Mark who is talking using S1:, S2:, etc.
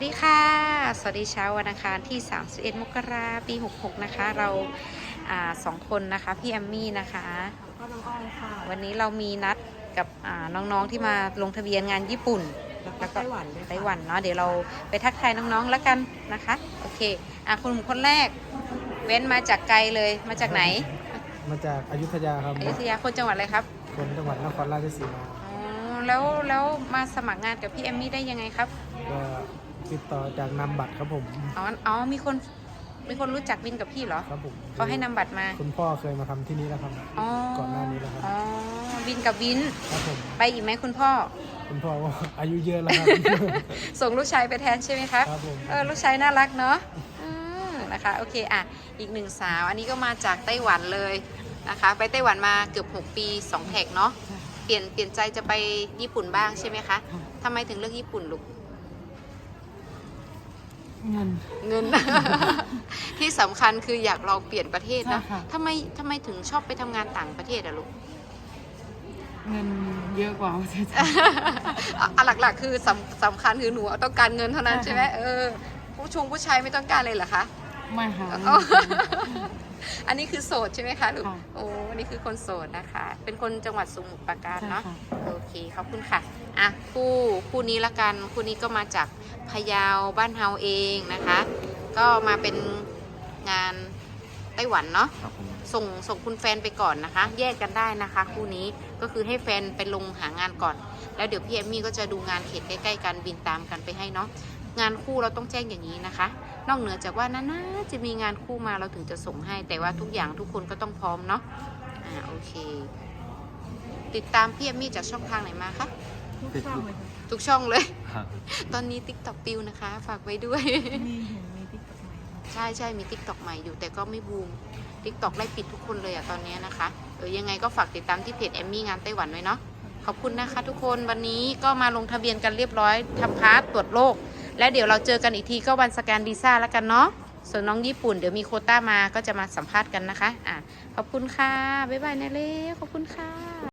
S1: สวัสดีค่ะ สวัสดีเช้าวันอังคารที่ 31 มกราคม ปี 66 นะคะ เราสองคนนะคะ พี่แอมมี่นะคะ
S2: ก็น้องอ้อยค่ะ
S1: วันนี้เรามีนัดกับน้องๆที่มาลงทะเบียนงานญี่ปุ่น
S2: แล้วก็ไต้หวันด้วยค่ะ
S1: ไต้หวันเนาะ เดี๋ยวเราไปทักทายน้องๆแล้วกันนะคะ โอเคคนแรกเว้นมาจากไกลเลย มาจากไหน
S3: มาจากอยุธยาครับ
S1: อยุธยาคนจังหวัดอะไรครับ
S3: คนจังหวัดนครราชสีมา
S1: อ๋อแล้วมาสมัครงานกับพี่แอมมี่ได้ยังไงครับ
S3: ก็ติดต่อจากนามบัตรครับผม
S1: อ๋อมีคนรู้จักวินกับพี่เหรอ
S3: ครับผม
S1: เขาให้นำบัตรมา
S3: คุณพ่อเคยมาทำที่นี่แล้วครับก่อนหน้านี้แล้วครับ
S1: อ๋อวินกับวิน
S3: ครับผม
S1: ไปอีกไหมคุณพ่อ
S3: คุณพ่อว่าอายุเยอะแล้วครับ
S1: ส่งลูกชายไปแทนใช่ไหมครับ
S3: ครับผม
S1: ลูกชายน่ารักเนาะนะคะโอเคอีกหนึ่งสาวอันนี้ก็มาจากไต้หวันเลยนะคะไปไต้หวันมาเกือบ6 ปี2แท็กเนาะเปลี่ยนใจจะไปญี่ปุ่นบ้างใช่ไหมคะทำไมถึงเลือกญี่ปุ่นลูก
S2: เงิน
S1: ที่สำคัญคืออยากลองเปลี่ยนประเทศนะ
S2: ใช่ค่ะ
S1: ทำไมถึงชอบไปทำงานต่างประเทศอะลูก
S2: เงินเยอะกว่าประเทศไทย
S1: หลักๆคือสำคัญคือหนูต้องการเงินเท่านั้น
S2: ใช่
S1: ใช่ไหม
S2: ค่ะ
S1: ผู้ชายไม่ต้องการเลยเหรอคะ
S2: ไม่ค่ะ
S1: อ๋อ อันนี้คือโสดใช่ไหมคะลูก
S2: ค่ะ
S1: โอ้อันนี้คือคนโสดนะคะ เป็นคนจังหวัดสมุทรปราการ
S2: ใช่
S1: เนาะ
S2: ค่ะ
S1: โอเคขอบคุณค่ะคู่นี้ละกันคู่นี้ก็มาจากพะเยาบ้านเฮาเองนะคะ ก็มาเป็นงานไต้หวันเนาะส่งคุณแฟนไปก่อนนะคะ แยกกันได้นะคะคู่นี้ก็คือให้แฟนไปลงหางานก่อน แล้วเดี๋ยวพี่แอมมี่ก็จะดูงานเขตใกล้ๆกันบินตามกันไปให้เนาะงานคู่เราต้องแจ้งอย่างนี้นะคะ นอกเหนือจากว่าน่าจะมีงานคู่มาเราถึงจะส่งให้ แต่ว่าทุกอย่างทุกคนก็ต้องพร้อมเนาะโอเค ติดตามพี่แอมมี่จากช่องทางไหนมาคะ
S2: ทุกช่องเลยค่ะ
S1: ทุกช่องเลย
S3: ครับ
S1: ตอนนี้ TikTok ปิวนะคะ ฝากไว้ด้วย
S2: มีติ๊กต็อกใหม่ค่ะ
S1: ใช่มี TikTok ใหม่อยู่แต่ก็ไม่บูม TikTok ไล่ปิดทุกคนเลยตอนนี้นะคะยังไงก็ฝากติดตามที่เพจแอมมี่งานไต้หวันไว้เนาะขอบคุณนะคะทุกคนวันนี้ก็มาลงทะเบียนกันเรียบร้อยทำพาสตรวจโรคแล้วเดี๋ยวเราเจอกันอีกทีก็วันสแกนวีซ่าแล้วกันเนาะส่วนน้องญี่ปุ่นเดี๋ยวมีโควต้ามาก็จะมาสัมภาษณ์กันนะคะขอบคุณค่ะบ๊ายบายนะเล่ขอบคุณค่ะ